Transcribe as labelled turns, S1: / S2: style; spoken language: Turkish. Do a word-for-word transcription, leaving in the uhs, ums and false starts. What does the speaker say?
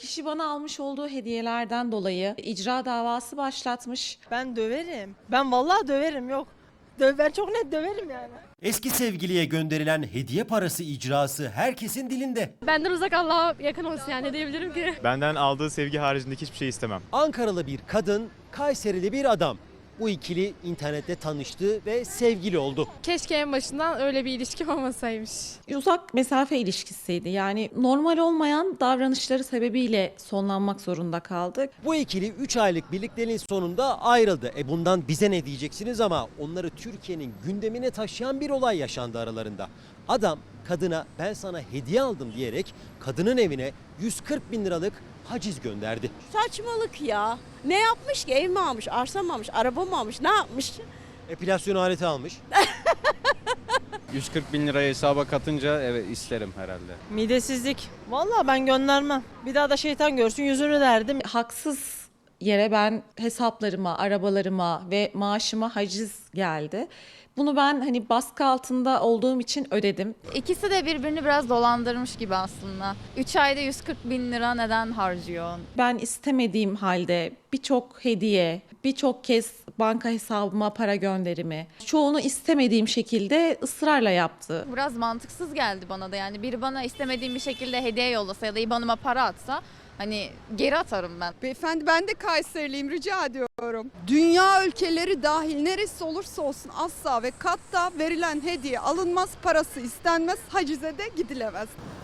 S1: Kişi bana almış olduğu hediyelerden dolayı icra davası başlatmış.
S2: Ben döverim. Ben vallahi döverim yok. Dö ben çok net döverim yani.
S3: Eski sevgiliye gönderilen hediye parası icrası herkesin dilinde.
S4: Benden uzak Allah'a yakın olsun yani ne diyebilirim ki?
S5: Benden aldığı sevgi haricindeki hiçbir şey istemem.
S3: Ankaralı bir kadın, Kayserili bir adam. Bu ikili internette tanıştı ve sevgili oldu.
S4: Keşke en başından öyle bir ilişki olmasaymış.
S1: Uzak mesafe ilişkisiydi. Yani normal olmayan davranışları sebebiyle sonlanmak zorunda kaldık.
S3: Bu ikili üç aylık birlikteliğin sonunda ayrıldı. E bundan bize ne diyeceksiniz ama onları Türkiye'nin gündemine taşıyan bir olay yaşandı aralarında. Adam kadına ben sana hediye aldım diyerek kadının evine yüz kırk bin liralık haciz gönderdi.
S6: Saçmalık ya. Ne yapmış ki? Ev mi almış, arsa mı almış, araba mı almış, ne yapmış?
S3: Epilasyon aleti almış.
S7: yüz kırk bin lirayı hesaba katınca evet isterim herhalde.
S2: Midesizlik. Vallahi ben göndermem. Bir daha da şeytan görsün yüzünü derdim.
S1: Haksız yere ben hesaplarıma, arabalarıma ve maaşıma haciz geldi. Bunu ben hani baskı altında olduğum için ödedim.
S8: İkisi de birbirini biraz dolandırmış gibi aslında. üç ayda yüz kırk bin lira neden harcıyor?
S1: Ben istemediğim halde birçok hediye, birçok kez banka hesabıma para gönderimi, çoğunu istemediğim şekilde ısrarla yaptı.
S8: Biraz mantıksız geldi bana da yani biri bana istemediğim bir şekilde hediye yollasa ya da IBAN'ıma para atsa hani geri atarım ben.
S9: Beyefendi ben de Kayseriliyim, rica ediyorum. Dünya ülkeleri dahil neresi olursa olsun asla ve katta verilen hediye alınmaz, parası istenmez, hacize de gidilemez.